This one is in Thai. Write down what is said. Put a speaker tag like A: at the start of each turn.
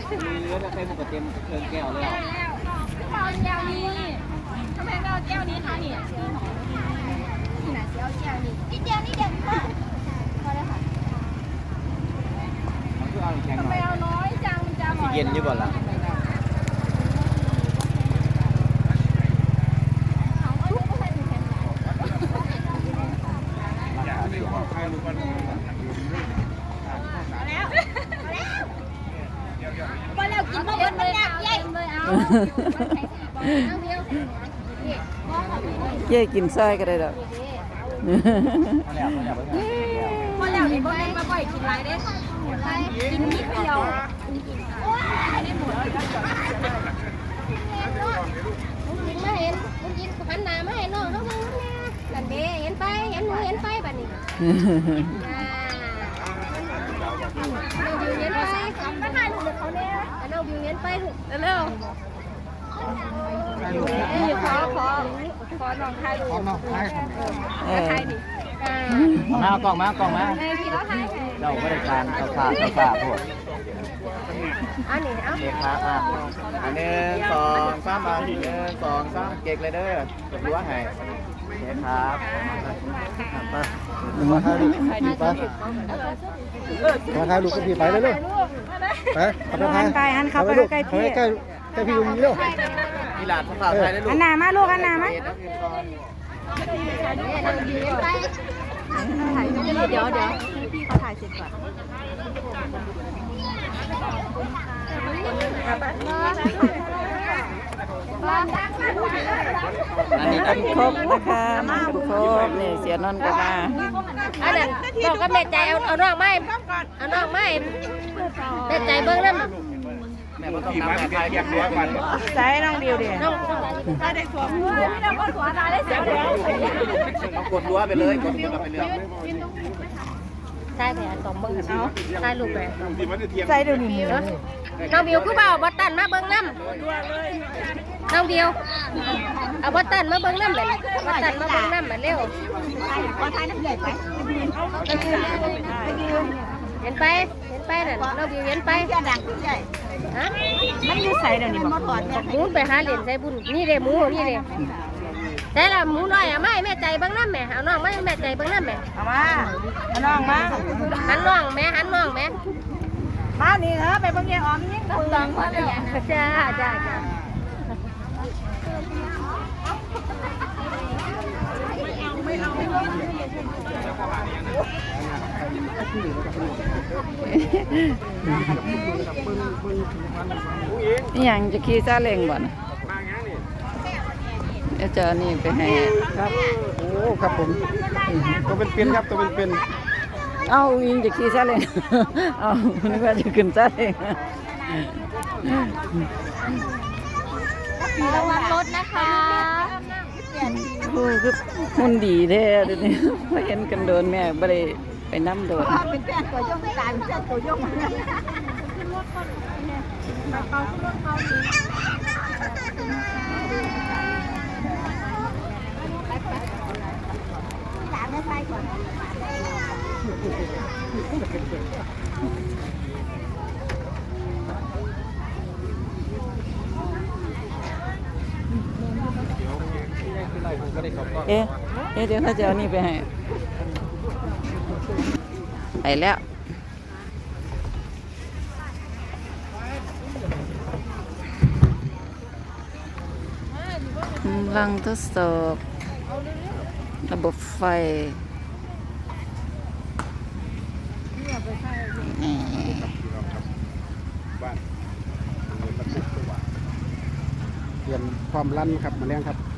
A: มีเลือดแล้วใส่หมวกเต็มเทิงแก้วเลย
B: เอาแก้วนี้ทำไมเอาแก้วนี้คะนี่นี่นะเอาแก้วนี้กินแก้วนี้เด็ดมากพอแล้วค่ะ
A: มันคือเอาแข็งหน่อย
B: ทำไมเอาน้อยจังจะ
A: สีเย็นอยู่ก่อนล่ะ
B: พอแล้วกินมาเบิดมันยากใหญ่เลยเอา
C: เย่กินซอยก็ได้ดอก
B: พอแล้วนี่บ่แม่นมาบ่อยกินหลายเด้กินนิดเดียวกินมาเห็นกินหันหน้ามาให้น้องน้องมึงนั่นเด้เห็นไปเห็นหนูเห็นไปบัดนี้น้องบิวเห็นไปก็ถ่ายรูปเขาเนี่ยน้องบิวเห็นไปเร็วนี่ขอน้องถ่ายรูปถ่ายดิ
A: มากล่องม
B: พี่แล้วถ่าย
A: เราไม่ได้การข้าวพวก
B: อันนี้เอา
A: เด็กครับอันหนึ่งสองสามอัน1 2 3เก๊กเลยเด้อจะรู้ว่าไงเด็กครับมาถ่ายรูปมาถ่ายรูปกับพี่ไปเลยลูกไป
C: หันเข้าไปใกล้พี่
A: ใกล้พี่ลุงนี่ลูกมีหลานสาวไทยได้ลูก
C: หันหน้ามาลูกหันหน้ามา
B: เดี๋ยวพี่เขาถ่ายเสร็จก่อน
A: อันนี้
C: กันครบนะคะมากันครบนี่เสียนนท์ก็มา
B: อันนั้นบอกกับแม่ใจเอาน้องไม้เอาน้องไม้แม่ใจเบิ้งนั่น
A: แม่ต้องน้ำแม่ไทยเรียกตัวก่อน
C: ใส่น้องเดียวเดียว
B: น้องได้สวมน้องก็สวมได้เสียง
A: เอากดรั้วไปเลยกดรั้วไปเลย
B: ใช่แผลสองเบิ้งเอาใช่ลูกแผล
C: ใส่เดี๋ยวนี้
B: น้องบิวคือเปล่าบัตตันมาเบิ้งน้ำน้องบิวเอาบัตตันมาเบิ้งน้ำเลยบัตตันมาเบิ้งน้ำมาเร็วเห็นไปน่ะน้องบิวเห็นไปฮะ
C: มันอยู่ใส่เดี๋ยวนี้บ่
B: หมูไปหาเหรียญใส่บุญนี่เด้หมูนี่เด้แต่ละหมูน้อยอ่ะไม่แม่ใจเบิ้งน้ำแม่เอาน้องไม่แม่ใจเบิ้งน้ำแม่
C: เอามาเอาน้องมา
B: หันน้องแม่
C: มานี่เถอะไปเบิ่งยายออมยิ่ง
B: ดังมาเลยจ้า
C: นี่ยังจะขี่ซาเล้งบ่นะเดี๋ยวจะนี่ไปให้
A: ครับโอ้ครับผมตัวเป็นครับตัวเป็น
C: เอายิงจะขี่ซาเล้งเอานึกว่าจะขึ้นซาเล้ง
B: ระวังรถนะคะ
C: คือหุ่นดีแท้เดี๋ยวนี้พอเห็นกันโดนแม่บ่ได้ไปน้ำโดน
B: เป็นแฟนตัวยกตายเป็นตัวยกมาขึ้นรถเขาเนี่ยเขาขึ้นรถเขาดีหลานไม่ไปก่อน
C: เอ๊ะเดี๋ยวเขาจะเอานี่ไปให้ไปแล้วกำลังทดสอบระบบไฟ
A: เปลี่ยนความลั่นครับมาเลี้ยงครับ